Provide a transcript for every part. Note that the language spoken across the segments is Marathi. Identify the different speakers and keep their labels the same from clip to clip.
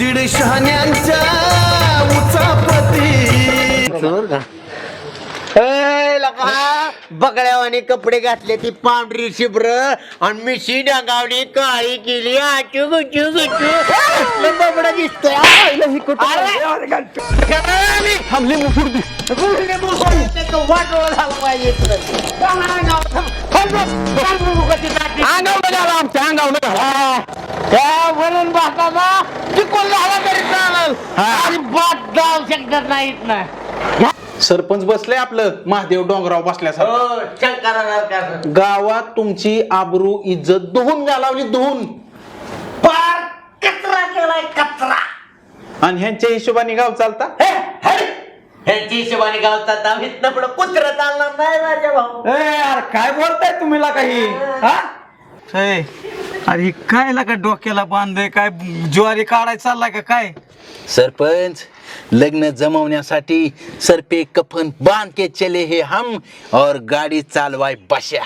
Speaker 1: बीड शहाण्यांच्या उचापती
Speaker 2: बगड्यावाने कपडे घातले ती पांढरी शिब्र आणि मिशी डांगावली काळी केली आचू गुचू गुचू बबडा दिसतोय वाटोळा झाला पाहिजे म्हणून बापाला चिकून झाला तरी चालेल आणि बात जाऊ शकत नाहीत ना.
Speaker 3: सरपंच बसले आपलं महादेव डोंगराव बसल्यासारखं गावात तुमची आबरू इज्जत धुवून घालावली धुवून
Speaker 2: पार कचरा केलाय कचरा
Speaker 3: आणि ह्यांच्या हिशोबाने गाव चालता
Speaker 2: ह्यांच्या हिशोबाने गावतात आम्ही पुढे कुत्र चालणार नाही राजा भाऊ.
Speaker 4: यार काय बोलताय तुम्ही ला काही अरे काय ला का डोक्याला बांधे काय ज्वारी काढायला चाललाय का काय?
Speaker 5: सरपंच लग्न जमवण्यासाठी सरपे कफन बांध के चले हे हम और गाडी चालवाय बश्या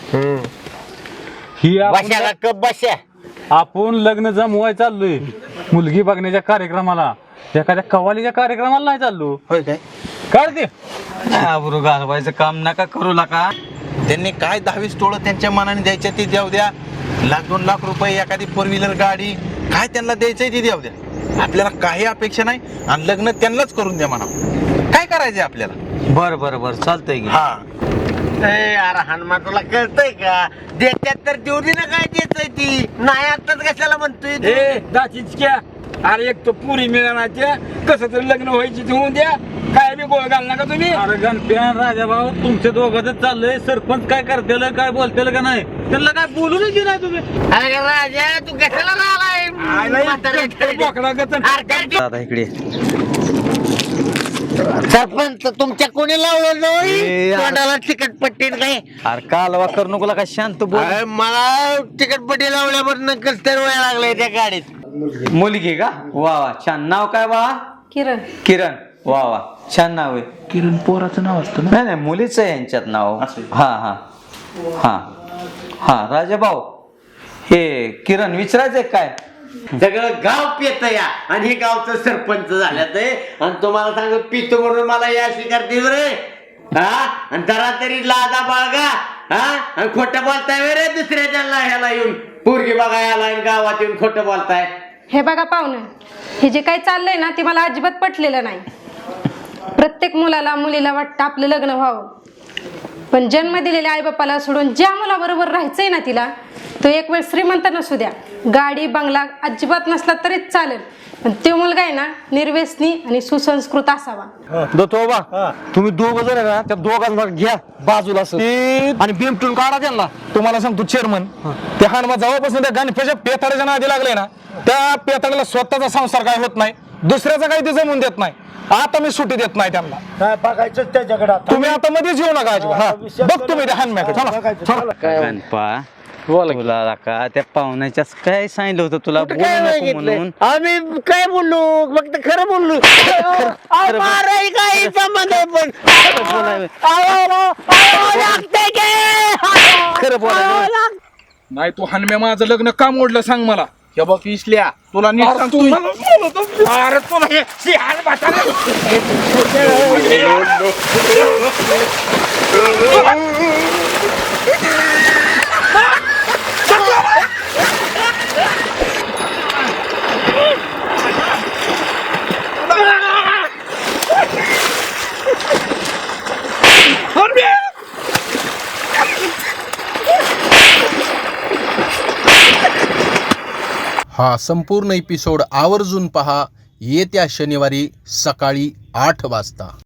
Speaker 4: ही
Speaker 2: बशाला कप बशा
Speaker 4: आपण लग्न जमवाय चाललोय मुलगी बघण्याच्या कार्यक्रमाला एखाद्या कवालीच्या कार्यक्रमाला नाही चाललो.
Speaker 5: होय काय
Speaker 4: काय ते आबरू घालवायचं काम नका करू नका.
Speaker 3: त्यांनी काय 10-20 टोळं त्यांच्या मनाने द्यायच्या ते द्याव द्या. 1-2 लाख रुपये एखादी 4 व्हीलर गाडी काय त्यांना द्यायचंय ती द्याव द्या. आपल्याला काही अपेक्षा नाही आणि लग्न त्यांनाच करून द्या म्हणा. काय करायचंय आपल्याला?
Speaker 4: बर बर बर चालतंय की.
Speaker 3: हा
Speaker 2: अरे हनुमान तुला कळतंय का देत्यात तर देऊ दे ना काय देतय ती नाही आताच कशाला म्हणतोय तू?
Speaker 4: दाचीच अरे एक तो पुरी मिळणार कसं तरी लग्न व्हायची होऊन द्या काय बी गोळ घाल नका तुम्ही. अरे गणप्यान राजा भाऊ तुमच्या दोघांच चाललंय सरपंच काय करतेल काय बोलतेल का नाही त्यांना काय बोलूनच दे नाही तुम्ही.
Speaker 2: अरे राजा तू कशाला राहिलाय
Speaker 4: दादा इकडे
Speaker 2: सरपंच तुमच्या कोणी लावलं नाही तोंडाला तिकटपट्टी नाही.
Speaker 4: अरे कालवा करू नको का शांत बोल.
Speaker 2: अरे मला तिकटपट्टी लावल्यापासून कसं तर वेळ लागलाय त्या गाडीत.
Speaker 4: मुलगी का वा वा छान नाव काय वा?
Speaker 6: किरण.
Speaker 4: किरण वा वा छान नाव आहे.
Speaker 3: किरण पोराचं नाव असतं ना?
Speaker 4: नाही नाही मुलीच आहे यांच्यात नाव. हा हा हा हा राजा भाऊ हे किरण विचारायचंय काय?
Speaker 2: सगळं गाव पेत या आणि हे गावचं सरपंच झाल्यात आणि तुम्हाला सांगतो पितो म्हणून मला या स्वीकारतील रे हा आणि जरा तरी लादा बाळगा हा आणि खोटं बोलताय रे दुसऱ्याच्या ह्याला येऊन पोरगी बघायला आणि गावात येऊन खोटं बोलताय.
Speaker 6: हे बघा पाहुणं हे जे काही चाललंय ना ते मला अजिबात पटलेलं नाही. प्रत्येक मुलाला मुलीला वाटतं आपलं लग्न व्हावं पण जन्म दिलेल्या आईबापाला सोडून ज्या मुलाबरोबर राहायचंय ना तिला तो एक वेळ श्रीमंत नसू द्या गाडी बंगला अजिबात नसला तरीच चालेल पण तो मुलगा आहे ना निर्व्यसनी आणि सुसंस्कृत असावा.
Speaker 4: दोतोबा तुम्ही दोघ जण ना त्या दोघांना घ्या बाजूला आणि बिमटून काढा त्यांना. तुम्हाला सांगतो चेअरमन त्या हानमा जवळपासून त्या गणपेच्या पेताड्याच्या नादी लागले ना त्या पेताड्याला स्वतःचा संसार काय होत नाही दुसऱ्याचा काही ते जमून देत नाही. आता मी सुट्टी देत नाही त्यांना.
Speaker 7: काय बघायचं त्याच्याकडे
Speaker 4: तुम्ही आता मध्येच येऊ नका अजिबात. बघ तुम्ही त्या हानम्याकडे
Speaker 8: गणपा तुला का त्या पाहुण्याच्याच काय सांगितलं होतं तुला बोलू
Speaker 2: काय
Speaker 8: नको
Speaker 2: मागितलंय?
Speaker 8: म्हणून.
Speaker 2: आम्ही काय बोललो फक्त खरं बोललो. माराय काही संबंध आहे पण लागतंय की?
Speaker 8: खरं बोलायला
Speaker 3: नाही तू हनम्या माझं लग्न का मोडलं सांग मला. हे बघ इसल्या तुला नीट सांगतो. अरे तुला हे शिहाळ म्हातारे. हा संपूर्ण एपिसोड आवर्जून पहा येत्या शनिवारी सकाळी 8 वाजता.